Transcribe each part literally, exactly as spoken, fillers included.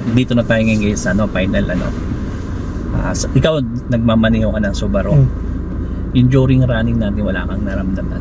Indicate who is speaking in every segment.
Speaker 1: dito na tayo ngayon guys, ano, final ano. Uh, ikaw nagmamaneho ka ng Subaru. Hmm. Yung during running natin wala kang naramdaman.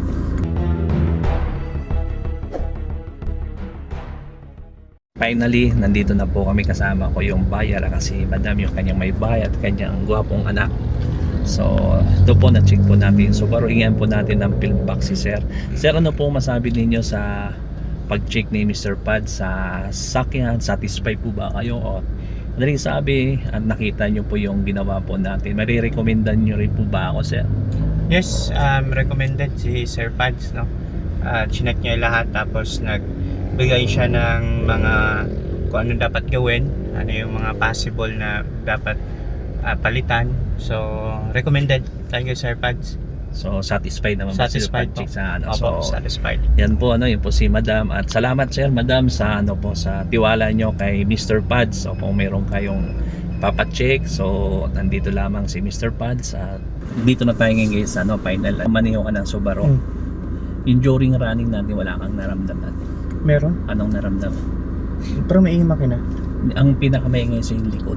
Speaker 1: Finally, nandito na po kami, kasama ko yung buyer kasi madam yung kanyang may bayad, kanyang gwapong anak. So, ito po na-check po natin. So, Subaru, hingan po natin ng fill box si Sir. Sir, ano po masabi ninyo sa pag-check ni Mister Pad sa sakyan? Satisfied po ba kayo? O madaling sabi, at nakita nyo po yung ginawa po natin. Marirecomendan nyo rin po ba ako, Sir?
Speaker 2: Yes, um, recommended si Sir Pads, no? Uh, chinek niya lahat, tapos nagbigay siya ng mga kung ano dapat gawin, ano yung mga possible na dapat uh, palitan. So, recommended. Thank you, Sir Pads.
Speaker 1: So, satisfied naman
Speaker 2: satisfied
Speaker 1: po sa ano.
Speaker 2: Opo,
Speaker 1: so,
Speaker 2: satisfied.
Speaker 1: Yan po, ano, yun po si Madam. At salamat, Sir, Madam, sa ano po, sa tiwala nyo kay Mister Pads. So, kung meron kayong papacheck, so nandito lamang si Mister Pads. At dito na tayo ngayon guys, ano, final. Maneho ka ng Subaru. Hmm. Yung during running natin, wala kang naramdaman.
Speaker 2: Meron?
Speaker 1: Anong naramdaman?
Speaker 2: Pero may ingay makina.
Speaker 1: Ang pinakamaingay sa yung likod.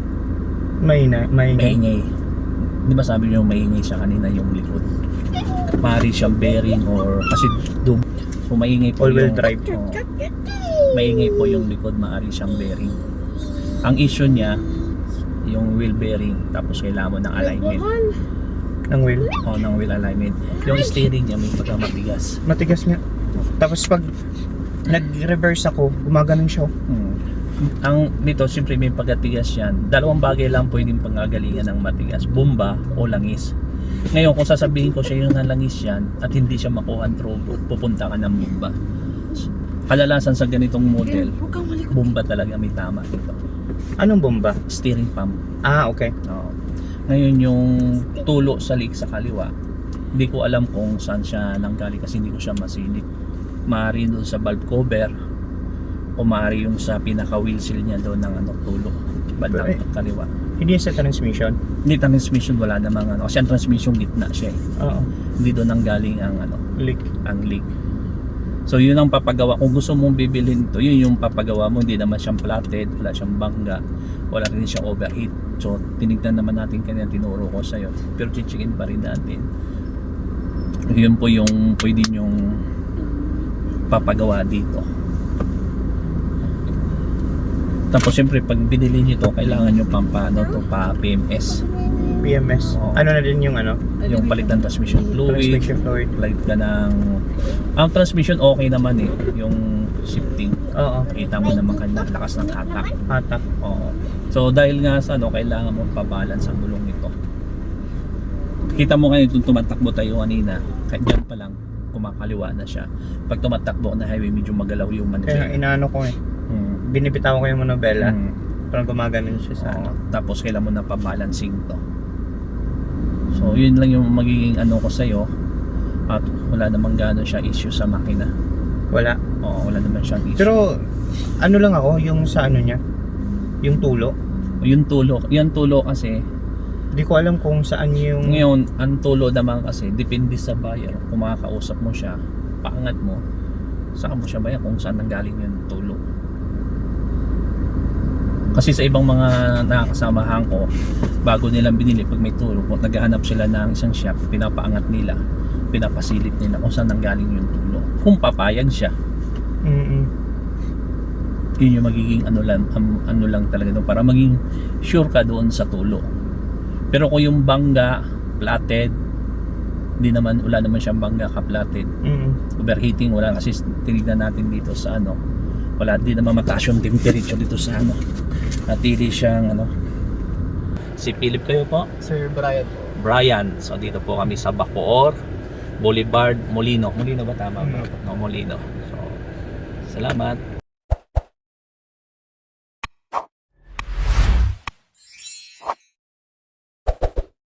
Speaker 2: Maingay? Maingay?
Speaker 1: Maingay. Di ba sabi nyo maingay siya kanina yung likod? Mari siyang bearing or kasi doon. So maingay po
Speaker 2: all-wheel
Speaker 1: yung
Speaker 2: drive.
Speaker 1: Oh, maingay po yung likod, maari siyang bearing. Ang issue niya yung wheel bearing, tapos kailangan mo ng alignment.
Speaker 2: Ng wheel?
Speaker 1: O, ng wheel alignment. Yung steering niya may pagka matigas.
Speaker 2: Matigas nga. Tapos pag nag-reverse ako, gumaganon siya.
Speaker 1: Hmm. Ang dito, siyempre may pagkatigas yan. Dalawang bagay lang pwedeng pangagalingan ng matigas, bomba o langis. Ngayon, kung sasabihin ko siya yung nalangis yan at hindi siya makuha ang throughput, pupunta ka ng bomba. Kalalasan sa ganitong model, bomba talaga may tama dito.
Speaker 2: Anong bomba?
Speaker 1: Steering pump.
Speaker 2: Ah, okay.
Speaker 1: Oo. Ngayon yung tulo sa leak sa kaliwa, hindi ko alam kung saan siya nanggaling kasi hindi ko siya masilip. Maaari doon sa valve cover o maaari yung sa pinaka wheel seal niya doon ng ano, tulo bandang kaliwa.
Speaker 2: Hindi sa transmission?
Speaker 1: Hindi, transmission wala namang ano, kasi ang transmission gitna siya eh.
Speaker 2: Oo.
Speaker 1: Hindi doon nanggaling ang ano,
Speaker 2: leak.
Speaker 1: Ang leak. So yun ang papagawa. Kung gusto mong bibilhin to, yun yung papagawa mo. Hindi naman siyang platted, wala siyang bangga, wala rin siyang overheat. So tinignan naman natin kanina, tinuro ko sa'yo, pero chichikin pa rin natin. Yun po yung pwede nyong papagawa dito. Tapos siyempre pag binili nyo to, kailangan nyo pang paano to, pa P M S.
Speaker 2: P M S? Oo. Ano na din yung ano?
Speaker 1: Yung palit ng transmission fluid.
Speaker 2: Transmission fluid.
Speaker 1: Palit ka ng... Ang transmission okay naman eh. Yung shifting.
Speaker 2: Oo.
Speaker 1: Kita mo naman kanya lakas ng hatak.
Speaker 2: Hatak.
Speaker 1: Oo. So dahil nga sa ano, kailangan mo pa-balance ang gulong nito. Kita mo ngayon kung tumatakbo tayo kanina, kahit dyan pa lang kumakaliwa na siya. Pag tumatakbo na highway, medyo magalaw yung manubela.
Speaker 2: Kaya inaano ko eh. Hmm. Binibitaw ko yung manubela. Hmm. Parang gumaganon siya sa ano.
Speaker 1: Tapos kailangan mo na pa-balancing to. So yun lang yung magiging ano ko sa'yo. At wala namang gano'n siya issue sa makina.
Speaker 2: Wala?
Speaker 1: Oo, wala naman siyang issue.
Speaker 2: Pero ano lang ako, yung sa ano niya, yung tulo.
Speaker 1: Yung tulo, yung tulo kasi
Speaker 2: hindi ko alam kung saan yung...
Speaker 1: Ngayon, ang tulo naman kasi depende sa buyer. Kung makakausap mo siya, paangat mo, saan mo siya bayan kung saan nanggaling yung tulo. Kasi sa ibang mga nakakasamahan ko, bago nilang binili, pag may tulo, kung naghahanap sila ng isang shop, pinapaangat nila, pinapasilip nila kung saan nanggaling yung tulo. Kung papayag siya.
Speaker 2: Mm-mm.
Speaker 1: Yun yung magiging ano lang, um, ano lang talaga doon, para maging sure ka doon sa tulo. Pero kung yung bangga, platted, hindi naman, wala naman siyang bangga ka-platted. Mm-mm. Overheating, wala kasi tinignan natin dito sa ano, wala din naman mataas yung temperature dito sa ano. Natili siyang ano. Si Philip kayo po?
Speaker 2: Sir Brian po.
Speaker 1: Brian. So dito po kami sa Bacoor Boulevard, Molino. Molino ba tama ba?
Speaker 2: Mm.
Speaker 1: No, Molino. So salamat.